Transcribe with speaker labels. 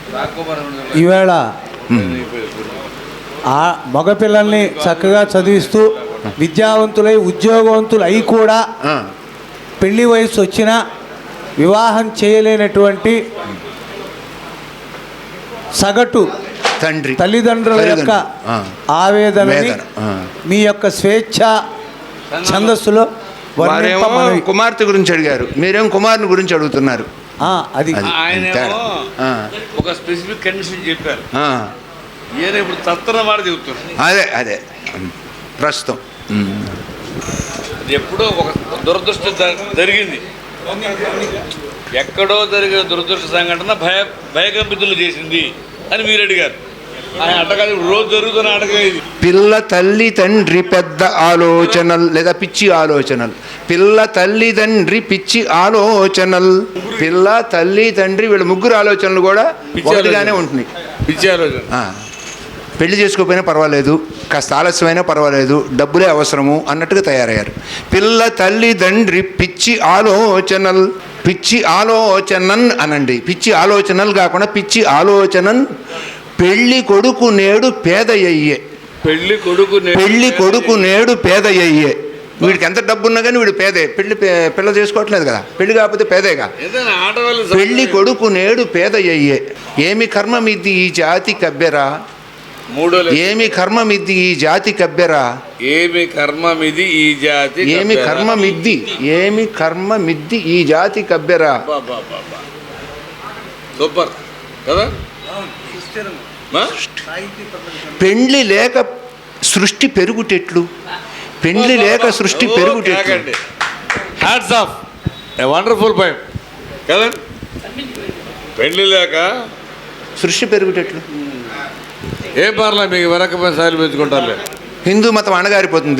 Speaker 1: ఈవేళ ఆ మగపిల్లల్ని చక్కగా చదివిస్తూ విద్యావంతులై ఉద్యోగవంతులు అయి కూడా పెళ్లి వయసు వచ్చినా వివాహం చేయలేనటువంటి సగటు
Speaker 2: తండ్రి
Speaker 1: తల్లిదండ్రుల యొక్క ఆవేదనని మీ యొక్క స్వేచ్ఛ ఛందస్సులో
Speaker 2: కుమార్తె గురించి అడిగారు, మీరేం కుమారుని గురించి అడుగుతున్నారు.
Speaker 1: అది
Speaker 3: ఒక స్పెసిఫిక్ కండిషన్ చెప్పారు. ఇప్పుడు తత్తన వాడు చెబుతున్నారు.
Speaker 2: అదే ప్రస్తుతం
Speaker 3: ఎప్పుడో ఒక దురదృష్టం జరిగింది, ఎక్కడో జరిగిన దురదృష్ట సంఘటన భయకంపితులు చేసింది అని మీరు అడిగారు. ఆయన అటకాదు, రోజు జరుగుతున్న అటక ఇది.
Speaker 2: పిల్ల తల్లి తండ్రి పెద్ద ఆలోచనలు లేదా పిచ్చి ఆలోచనలు. పిల్ల తల్లి తండ్రి పిచ్చి ఆలోచనలు. పిల్ల తల్లి తండ్రి వీళ్ళ ముగ్గురు ఆలోచనలు కూడా ఒకటిగానే ఉంటున్నాయి.
Speaker 3: పిచ్చి ఆలోచన.
Speaker 2: పెళ్లి చేసుకోకపోయినా పర్వాలేదు, కాస్త ఆలస్యమైనా పర్వాలేదు, డబ్బులే అవసరము అన్నట్టుగా తయారయ్యారు. పిల్ల తల్లి తండ్రి పిచ్చి ఆలోచనలు. పిచ్చి ఆలోచనన్ అనండి, పిచ్చి ఆలోచనలు కాకుండా పిచ్చి ఆలోచనన్. పెళ్లి కొడుకు నేడు పేదయ్యే.
Speaker 3: పెళ్లి
Speaker 2: కొడుకు నేడు పేదయ్యే. వీడికి ఎంత డబ్బు ఉన్నా కానీ వీడు పేదే. పిల్ల చేసుకోవట్లేదు కదా, పెళ్లి కాకపోతే పేదేగా. పెళ్లి కొడుకు నేడు పేదయ్యే. ఏమి కర్మమిద్ది ఈ జాతి కబ్బెరా. ఏమి కర్మమిద్ది ఈ జాతి కబ్బెరా.
Speaker 3: ఏమి కర్మమిది ఈ జాతి.
Speaker 2: ఏమి కర్మమిద్ది, ఏమి కర్మమిద్ది ఈ జాతి కబ్బెరా.
Speaker 3: సూపర్ కదా.
Speaker 2: పెండ్లి లేక సృష్టి పెరుగుటెట్లు. పెండ్లి లేక సృష్టి పెరుగుటెట్లు.
Speaker 3: Hats off, a wonderful poem కదా. పెండ్లి లేక
Speaker 2: సృష్టి పెరుగుటెట్లు.
Speaker 3: ఏ పార్లా మీకు వెనక సాయిలు పెంచుకుంటారులే.
Speaker 2: హిందూ మతం అణగారిపోతుంది.